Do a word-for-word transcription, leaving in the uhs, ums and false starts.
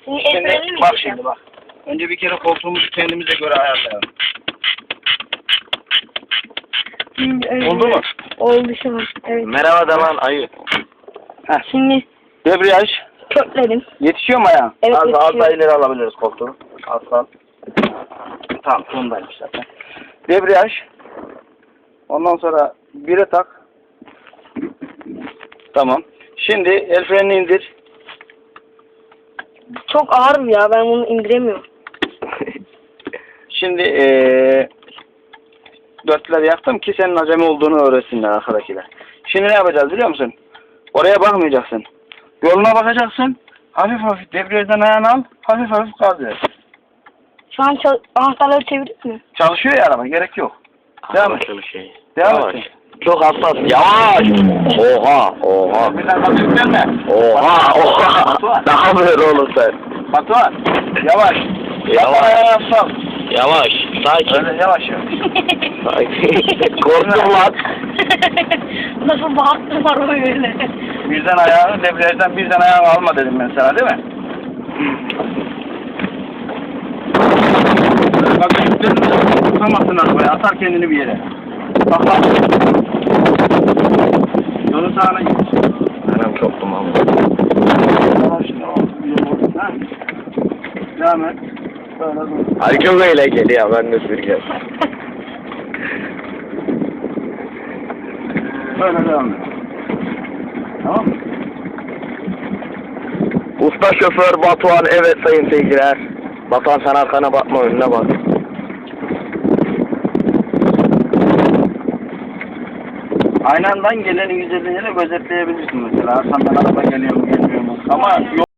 Şimdi, Şimdi el mi bak çekeceğim? şimdi bak. Önce bir kere koltuğumuzu kendimize göre ayarlayalım. Şimdi, öyle. Oldu mu? Oldu şu an. Evet. Merhaba da lan ayı. Heh. Şimdi Debriyaj. kökledim. Yetişiyor mu ayağın? Evet, az, az yetişiyor. daha ileri alabiliriz koltuğu. Az kal. Tamam sondaymış zaten. Debriyaj. Ondan sonra bire tak. Tamam. Şimdi el frenini indir. Çok ağır ya, ben bunu indiremiyorum. Şimdi ee, dörtleri yaktım ki senin acemi olduğunu öğretsinler arkadakiler. Şimdi ne yapacağız biliyor musun? Oraya bakmayacaksın. Yoluna bakacaksın. Hafif hafif debriyajdan ayağını al. Hafif hafif gaz ver. Şu an çal- anahtarları çevirdik mi? Çalışıyor ya araba. Gerek yok. Devam et. Anlaşılır şey. Devam Yavaş. et. Çok hassas. Yavaş. Oha. Oha. Birden gaz yüklenme. Oha. Oha. Batuhan. Daha böyle oğlum sen. Batuhan. Yavaş. Yavaş. Yapma ayağını sal. Yavaş. Sakin. Öyle yavaş yavaş. Sakin. Korktum lan. Nasıl baktım var öyle. Birden ayağını debriyajdan birden ayağını alma dedim ben sana değil mi? Bak yüklerini tutamazsın arabaya. Atar kendini bir yere. Bak bak. Yolu sağına git. Anam çok dumanlı. Tamam şimdi o yol oldu. Ha? Devam et. Böyle dur. Ay çok eğlenceli ya ben de süreceğim. Böyle devam et. Tamam mı? Usta şoför Batuhan, evet sayın seyirciler. Batuhan sen arkana bakma, önüne bak. Aynandan gelen yüz elliyle gözetleyebilirsin mesela. Arkandan araba geliyor mu gelmiyor mu? Ama